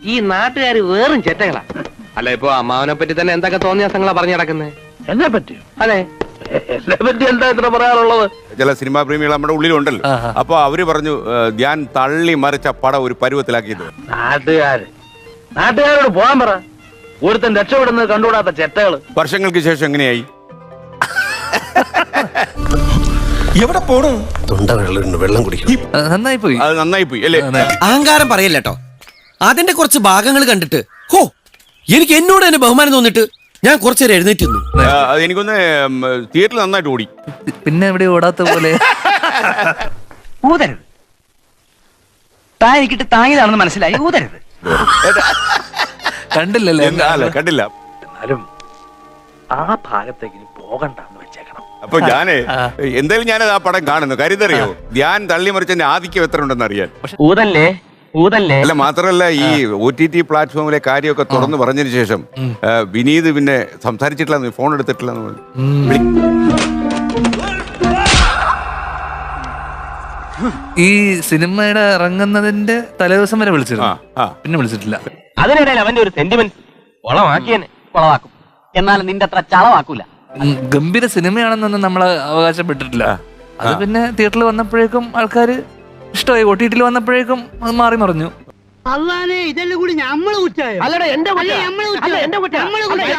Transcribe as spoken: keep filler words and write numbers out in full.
ഈ നാട്ടുകാർ വേറും ചെറ്റകളാ. അല്ല, ഇപ്പൊ അമ്മാവനെ പറ്റി തന്നെ എന്തൊക്കെ തോന്നിയാസങ്ങളാ പറഞ്ഞു നടക്കുന്നത്? എന്നെ പറ്റിയോ? അതെ, എന്നെ പറ്റി എന്താ ഇത്ര പറയാനുള്ളത്? ചില സിനിമാ പ്രേമികൾ നമ്മുടെ ഉള്ളിലുണ്ടല്ലോ. അപ്പൊ അവര് പറഞ്ഞു ധ്യാൻ തള്ളി മറിച്ച പടം ഒരു പരുവത്തിലാക്കിയത്. നാട്ടുകാര് നാട്ടുകാരോട് പോകാൻ പറ. ഒരുത്തൻ രക്ഷപ്പെടുന്നത് കണ്ടുകൂടാത്ത ചെറ്റകള്. വർഷങ്ങൾക്ക് ശേഷം എങ്ങനെയായി? എവിടെ പോണു? വെള്ളം കുടിക്കും. നന്നായി പോയി. അത് നന്നായി പോയി അല്ലേ? അഹങ്കാരം പറയല്ലോ. അതിന്റെ കുറച്ച് ഭാഗങ്ങൾ കണ്ടിട്ട് ഹോ എനിക്ക് എന്നോട് തന്നെ ബഹുമാനം തോന്നിട്ട് ഞാൻ കുറച്ചേരം എഴുന്നേറ്റ് നിന്നു. അത് എനിക്കൊന്ന് തിയേറ്ററിൽ നന്നായിട്ട് ഓടി. പിന്നെ എവിടെ ഓടാത്ത പോലെ. ഊതരുത്. താൻ എനിക്കിട്ട് താങ്ങിയതാണെന്ന് മനസ്സിലായി. ഊതരുത്. കണ്ടില്ലല്ലേ? അല്ല, കണ്ടില്ല. എന്നാലും ആ ഭാഗത്തേക്ക് പോകണ്ടെന്ന് വെച്ചേക്കണം. അപ്പൊ ഞാന് എന്തായാലും ഞാനത് ആ പടം കാണുന്നു. കരുതറിയോ, ധ്യാൻ തള്ളി മറിച്ചതിന്റെ ആധിക്യം എത്ര ഉണ്ടെന്ന് അറിയാൻ. ഊതല്ലേ ഊതല്ലേ. അല്ല, മാത്രമല്ല ഈ ഒ ടി ടി പ്ലാറ്റ്ഫോമിലെ കാര്യമൊക്കെ തുറന്നു പറഞ്ഞതിന് ശേഷം വിനീത് പിന്നെ സംസാരിച്ചിട്ടില്ല, ഫോൺ എടുത്തിട്ടില്ല. ഈ സിനിമയുടെ ഇറങ്ങുന്നതിന്റെ തലേദിവസം വരെ വിളിച്ചിരുന്നു, പിന്നെ വിളിച്ചിട്ടില്ല. അതിനിടയിൽ അവന്റെ ഒരു സെന്റിമെന്റ് കൊളമാക്കിയനെ കൊളവാക്കും. എന്നാലും നിന്റെ അത്ര ചളവാക്കൂല. ഗംഭീര സിനിമയാണെന്നൊന്നും നമ്മൾ അവകാശപ്പെട്ടിട്ടില്ല. അത് പിന്നെ തിയേറ്ററിൽ വന്നപ്പോഴേക്കും ആൾക്കാര് ഇഷ്ടമായി. ഒ ടി ടിയിൽ വന്നപ്പോഴേക്കും അത് മാറി മറിഞ്ഞു. അല്ലാതെ ഇതെല്ലാം കൂടി നമ്മള് കുറ്റായോ? അല്ലടാ, എന്റെ